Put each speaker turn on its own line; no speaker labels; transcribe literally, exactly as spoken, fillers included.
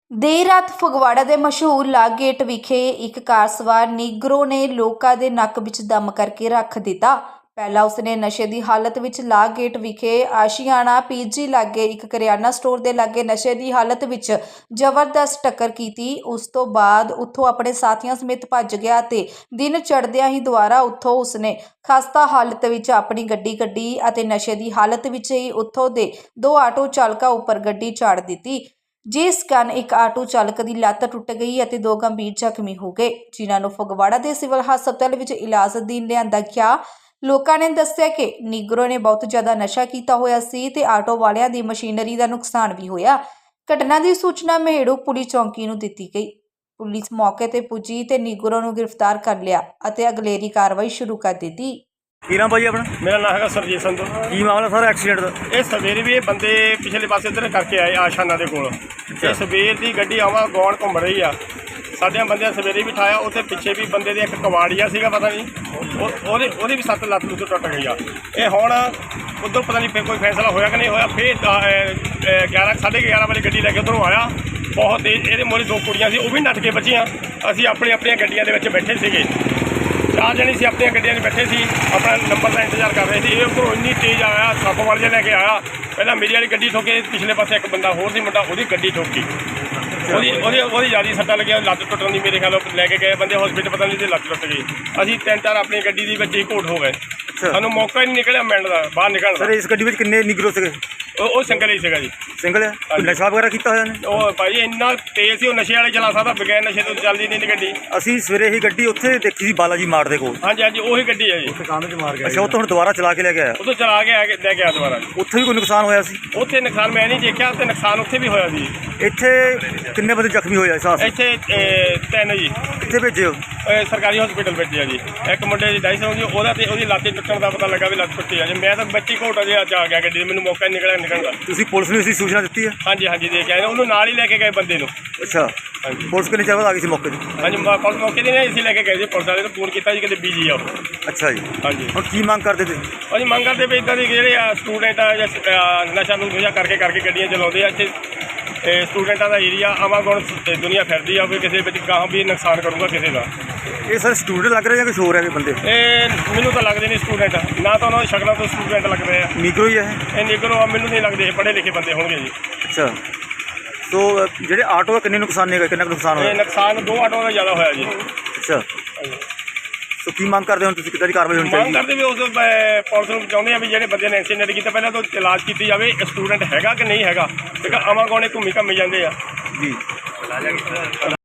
ਦੇਰ ਰਾਤ ਫਗਵਾੜਾ ਦੇ ਮਸ਼ਹੂਰ ਲਾਗ ਗੇਟ ਵਿਖੇ ਇੱਕ ਕਾਰ ਸਵਾਰ ਨੀਗਰੋ ਨੇ ਲੋਕਾਂ ਦੇ ਨੱਕ ਵਿੱਚ ਦਮ ਕਰਕੇ ਰੱਖ ਦਿੱਤਾ। ਪਹਿਲਾਂ ਉਸਨੇ ਨਸ਼ੇ ਦੀ ਹਾਲਤ ਵਿੱਚ ਲਾਗ ਗੇਟ ਵਿਖੇ ਆਸ਼ੀਆਣਾ ਪੀਜੀ ਲਾਗੇ ਇੱਕ ਕਰਿਆਨਾ ਸਟੋਰ ਦੇ ਲਾਗੇ ਨਸ਼ੇ ਦੀ ਹਾਲਤ ਵਿੱਚ ਜ਼ਬਰਦਸਤ ਟੱਕਰ ਕੀਤੀ। ਉਸ ਤੋਂ ਬਾਅਦ ਉੱਥੋਂ ਆਪਣੇ ਸਾਥੀਆਂ ਸਮੇਤ ਭੱਜ ਗਿਆ ਤੇ ਦਿਨ ਚੜ੍ਹਦਿਆਂ ਹੀ ਦੁਬਾਰਾ ਉੱਥੋਂ ਉਸਨੇ ਖਸਤਾ ਹਾਲਤ ਵਿੱਚ ਆਪਣੀ ਗੱਡੀ ਕੱਢੀ ਅਤੇ ਨਸ਼ੇ ਦੀ ਹਾਲਤ ਵਿੱਚ ਹੀ ਉੱਥੋਂ ਦੇ ਦੋ ਆਟੋ ਚਾਲਕਾਂ ਉੱਪਰ ਗੱਡੀ ਝਾੜ ਦਿੱਤੀ, ਜਿਸ ਕਾਰਨ ਇੱਕ ਆਟੋ ਚਾਲਕ ਦੀ ਲੱਤ ਟੁੱਟ ਗਈ ਅਤੇ ਦੋ ਗੰਭੀਰ ਜ਼ਖਮੀ ਹੋ ਗਏ, ਜਿਨ੍ਹਾਂ ਨੂੰ ਫਗਵਾੜਾ ਦੇ ਸਿਵਲ ਹਸਪਤਾਲ ਵਿੱਚ ਇਲਾਜ ਅਧੀਨ ਲਿਆਂਦਾ ਗਿਆ। ਲੋਕਾਂ ਨੇ ਦੱਸਿਆ ਕਿ ਨੀਗਰੋ ਨੇ ਬਹੁਤ ਜ਼ਿਆਦਾ ਨਸ਼ਾ ਕੀਤਾ ਹੋਇਆ ਸੀ ਤੇ ਆਟੋ ਵਾਲਿਆਂ ਦੀ ਮਸ਼ੀਨਰੀ ਦਾ ਨੁਕਸਾਨ ਵੀ ਹੋਇਆ। ਘਟਨਾ ਦੀ ਸੂਚਨਾ ਮਹੇੜੂ ਪੁਲਿਸ ਚੌਂਕੀ ਨੂੰ ਦਿੱਤੀ ਗਈ। ਪੁਲਿਸ ਮੌਕੇ ਤੇ ਪੁੱਜੀ ਤੇ ਨੀਗਰੋ ਨੂੰ ਗ੍ਰਿਫਤਾਰ ਕਰ ਲਿਆ ਅਤੇ ਅਗਲੇਰੀ ਕਾਰਵਾਈ ਸ਼ੁਰੂ ਕਰ ਦਿੱਤੀ।
ਕੀ ਨਾਮ ਭਾਈ ਆਪਣਾ?
मेरा नाम है सरजीत संधू।
ਕੀ ਮਾਮਲਾ ਸਾਰਾ ਐਕਸੀਡੈਂਟ ਦਾ?
ਇਹ ਸਵੇਰੇ ਵੀ ਇਹ ਬੰਦੇ ਪਿਛਲੇ ਪਾਸੇ ਇੱਧਰ ਕਰਕੇ ਆਏ ਆਸ਼ਾਨਾ ਦੇ ਕੋਲ। ਇਹ ਸਵੇਰ ਦੀ ਗੱਡੀ ਆਵਾ ਗੌਣ ਘੁੰਮ ਰਹੀ ਆ। ਸਾਡਿਆਂ ਬੰਦਿਆਂ ਸਵੇਰੇ ਵੀ ਠਾਇਆ, ਉੱਥੇ ਪਿੱਛੇ ਵੀ ਬੰਦੇ ਦੇ ਇੱਕ ਕਵਾੜੀਆ ਸੀਗਾ, ਪਤਾ ਨਹੀਂ ਉਹ ਉਹਦੇ ਉਹਦੀ ਵੀ ਸੱਤ ਲੱਤ ਲੁੱਤ ਟੁੱਟ ਗਈ ਆ। ਇਹ ਹੁਣ ਉੱਧਰ ਪਤਾ ਨਹੀਂ ਫਿਰ ਕੋਈ ਫੈਸਲਾ ਹੋਇਆ ਕਿ ਨਹੀਂ ਹੋਇਆ। ਫਿਰ ਗਿਆਰਾਂ ਸਾਢੇ ਗਿਆਰਾਂ ਵਜੇ ਗੱਡੀ ਲੈ ਕੇ ਉੱਧਰੋਂ ਆਇਆ ਬਹੁਤ ਤੇਜ਼। ਇਹਦੇ ਮੋਰੇ ਦੋ ਕੁੜੀਆਂ ਸੀ, ਉਹ ਵੀ ਨੱਠ ਕੇ ਬਚੀਆਂ। ਅਸੀਂ ਆਪਣੀ ਆਪਣੀਆਂ ਗੱਡੀਆਂ ਦੇ ਵਿੱਚ ਬੈਠੇ ਸੀਗੇ, ਚਾਰ ਜਣੇ ਸੀ ਆਪਣੀਆਂ ਗੱਡੀਆਂ 'ਚ ਬੈਠੇ ਸੀ, ਆਪਣਾ ਨੰਬਰ ਦਾ ਇੰਤਜ਼ਾਰ ਕਰ ਰਹੇ ਸੀ। ਇਹ ਉੱਪਰੋਂ ਇੰਨੀ ਤੇਜ਼ ਆਇਆ, ਸੱਪ ਵਾਲ ਜਿਹਾ ਲੈ ਕੇ ਆਇਆ। ਪਹਿਲਾਂ ਮੇਰੀ ਵਾਲੀ ਗੱਡੀ ਠੋਕੇ, ਪਿਛਲੇ ਪਾਸੇ ਇੱਕ ਬੰਦਾ ਹੋਰ ਸੀ ਮੁੰਡਾ, ਉਹਦੀ ਗੱਡੀ ਠੋਕੀ। ਉਹਦੀ ਉਹਦੀ ਉਹਦੀ ਜ਼ਿਆਦਾ ਸੱਟਾਂ ਲੱਗੀਆਂ, ਲੱਤ ਟੁੱਟਣ ਦੀ ਮੇਰੇ ਖਿਆਲ ਲੈ ਕੇ ਗਏ ਬੰਦੇ ਹਸਪੀਟਲ, ਪਤਾ ਨਹੀਂ ਤੇ ਲੱਤ ਟੁੱਟ ਗਈ। ਅਸੀਂ ਤਿੰਨ ਚਾਰ ਆਪਣੀ ਗੱਡੀ ਦੇ ਵਿੱਚ ਹੀ ਘੋਟ ਹੋ ਗਏ। ਸਾਨੂੰ ਮੌਕਾ ਹੀ ਨਹੀਂ ਨਿਕਲਿਆ ਮਿੰਟ ਦਾ ਬਾਹਰ ਨਿਕਲਣ ਦਾ।
ਸਰ ਇਸ ਗੱਡੀ ਵਿੱਚ ਕਿੰਨੇ ਨਿਗਰੋ ਸੀਗੇ?
ਉਹ ਉਹ ਸਿੰਗਲ ਹੀ ਸੀਗਾ ਜੀ।
ਸਿੰਗਲ ਹੈ? ਕੋਈ ਨਸ਼ਾ ਵਗੈਰਾ ਕੀਤਾ ਹੋਇਆ ਨੇ?
ਉਹ ਭਾਈ ਇੰਨਾ ਤੇਜ਼ ਸੀ, ਉਹ ਨਸ਼ੇ ਵਾਲੇ ਚਲਾ ਸਕਦਾ, ਬਗੈਰ ਨਸ਼ੇ ਤੋਂ ਚੱਲਦੀ ਨਹੀਂ ਗੱਡੀ।
ਅਸੀਂ ਸਵੇਰੇ ਹੀ ਗੱਡੀ ਉੱਥੇ ਦੇਖੀ ਸੀ ਬਾਲਾਜੀ ਮਾਰਟ ਦੇ ਕੋਲ।
ਹਾਂਜੀ ਹਾਂਜੀ ਉਹੀ ਗੱਡੀ ਹੈ ਜੀ।
ਅੱਛਾ, ਉੱਥੋਂ ਹੁਣ ਦੁਬਾਰਾ ਚਲਾ ਕੇ ਲੈ ਕੇ ਆਇਆ?
ਉਦੋਂ ਚਲਾ ਕੇ ਆ ਕੇ ਲੈ ਕੇ ਆ ਦੁਬਾਰਾ।
ਉੱਥੇ ਵੀ ਕੋਈ ਨੁਕਸਾਨ ਹੋਇਆ ਸੀ?
ਉੱਥੇ ਨੁਕਸਾਨ ਮੈਂ ਨਹੀਂ ਦੇਖਿਆ, ਤੇ ਨੁਕਸਾਨ ਉੱਥੇ ਵੀ ਹੋਇਆ ਸੀ।
ਇੱਥੇ ਕਿੰਨੇ ਬੰਦੇ ਜ਼ਖਮੀ ਹੋਏ ਆ ਇਸ ਹਾਦਸੇ?
ਇੱਥੇ ਅਹ, ਤਿੰਨ ਜੀ
ਕਿੱਥੇ ਭੇਜੇ ਹੋ?
ਅਹ, ਸਰਕਾਰੀ ਹਸਪੀਟਲ ਭੇਜਿਆ ਜੀ। ਇੱਕ ਮੁੰਡੇ ਦੀ ਡਾਈਸ ਹੋ ਗਈ, ਉਹਦਾ ਤੇ ਉਹਦੀ ਲੱਤ ਟੁੱਟਣ ਦਾ ਪਤਾ ਲੱਗਾ ਵੀ ਲੱਤ ਟੁੱਟੀ ਆ ਜੀ। ਮੈਂ ਤਾਂ ਬੱਚੀ ਘੋਟਾ ਜਿਹਾ ਚ ਆ ਗਿਆ ਗੱਡੀ, ਮੈਨੂੰ ਮੌਕਾ ਹੀ ਨਿਕਲਿਆ ਨਿਕਲਣ ਦਾ।
ਤੁਸੀਂ ਪੁਲਿਸ ਨੂੰ ਇਸਦੀ ਸੂਚਨਾ ਦਿੱਤੀ ਹੈ?
ਹਾਂਜੀ ਹਾਂਜੀ ਦੇ ਕੇ ਆਏ, ਉਹਨੂੰ ਨਾਲ ਹੀ ਲੈ ਕੇ ਗਏ ਬੰਦੇ ਨੂੰ।
ਅੱਛਾ,
ਹਾਂਜੀ
ਪੁਲਿਸ ਕਿੰਨੇ ਚਿਰ ਬਾਅਦ ਆ ਗਈ ਸੀ ਮੌਕੇ 'ਤੇ?
ਹਾਂਜੀ ਪੁਲਿਸ ਮੌਕੇ ਤੇ ਨਹੀਂ ਅਸੀਂ ਲੈ ਕੇ ਗਏ ਜੀ। ਪੁਲਿਸ ਵਾਲੇ ਨੂੰ ਫੋਨ ਕੀਤਾ ਜੀ, ਕਿਤੇ ਬੀਜੀ ਆ ਉਹ।
ਅੱਛਾ ਜੀ,
ਹਾਂਜੀ
ਹੁਣ ਕੀ ਮੰਗ ਕਰਦੇ ਤੇ?
ਅਸੀਂ ਮੰਗ ਕਰਦੇ ਵੀ ਇੱਦਾਂ ਦੀ ਜਿਹੜੇ ਆ ਸਟੂਡੈਂਟ ਆ ਜਾਂ ਅਹ, ਨਸ਼ਾ ਨੂੰ ਨਸ਼ਾ ਕਰਕੇ ਕਰਕੇ ਗੱਡੀਆਂ ਚਲਾਉਂਦੇ ਆ ਇੱਥੇ। ਤੇ ਸਟੂਡੈਂਟਾਂ ਦਾ ਏਰੀਆ ਆਵਾਗੁਣ ਦੁਨੀਆ ਫਿਰਦੀ ਆ, ਕੋਈ ਕਿਸੇ ਵਿੱਚ ਗਾਹਾਂ ਵੀ ਨੁਕਸਾਨ ਕਰੂਗਾ ਕਿਸੇ ਦਾ।
ਇਹ ਸਰ ਸਟੂਡੈਂਟ ਲੱਗ ਰਹੇ ਜਾਂ ਕੁਛ ਹੋਰ ਹੈ ਬੰਦੇ?
ਇਹ ਮੈਨੂੰ ਤਾਂ ਲੱਗਦੇ ਨਹੀਂ ਸਟੂਡੈਂਟ, ਨਾ ਤਾਂ ਉਹਨਾਂ ਦੀ ਸ਼ਕਲਾਂ ਤੋਂ ਸਟੂਡੈਂਟ ਲੱਗਦੇ ਆ।
ਨਿਗਰੋ ਹੀ ਹੈ
ਇਹ ਨਿਗਰੋ ਆ, ਮੈਨੂੰ ਨਹੀਂ ਲੱਗਦੇ ਇਹ ਪੜ੍ਹੇ ਲਿਖੇ ਬੰਦੇ ਹੋਣਗੇ ਜੀ।
ਅੱਛਾ, ਸੋ ਜਿਹੜੇ ਆਟੋ ਦਾ ਕਿੰਨੇ ਨੁਕਸਾਨ ਨੇ, ਕਿੰਨਾ ਕੁ ਨੁਕਸਾਨ
ਇਹ
ਹੋਇਆ?
ਨੁਕਸਾਨ ਦੋ ਆਟੋਆਂ ਦਾ ਜ਼ਿਆਦਾ ਹੋਇਆ ਜੀ।
ਅੱਛਾ, ਸੋ ਕੀ ਮੰਗ ਕਰਦੇ ਹੋ ਤੁਸੀਂ, ਕਿੱਦਾਂ ਦੀ ਕਾਰਵਾਈ ਹੋਣੀ
ਮੰਗ
ਚਾਹੀਦੀ?
ਕਰਦੇ ਵੀ ਉਸ ਅਹ, ਪੁਲਿਸ ਨੂੰ ਚਾਹੁੰਦੇ ਆ ਵੀ ਜਿਹੜੇ ਬੰਦੇ ਨੇ ਐਕਸੀਡੈਂਟ ਕੀਤਾ ਪਹਿਲਾਂ ਤਾਂ ਇਲਾਜ ਕੀਤੀ ਜਾਵੇ, ਸਟੂਡੈਂਟ ਹੈਗਾ ਕਿ ਨਹੀਂ ਹੈਗਾ, ਕਿਉਂਕਿ ਆਵਾਗੁਣੇ ਘੁੰਮੀ ਘੰਮੀ ਜਾਂਦੇ ਆ
ਜੀ।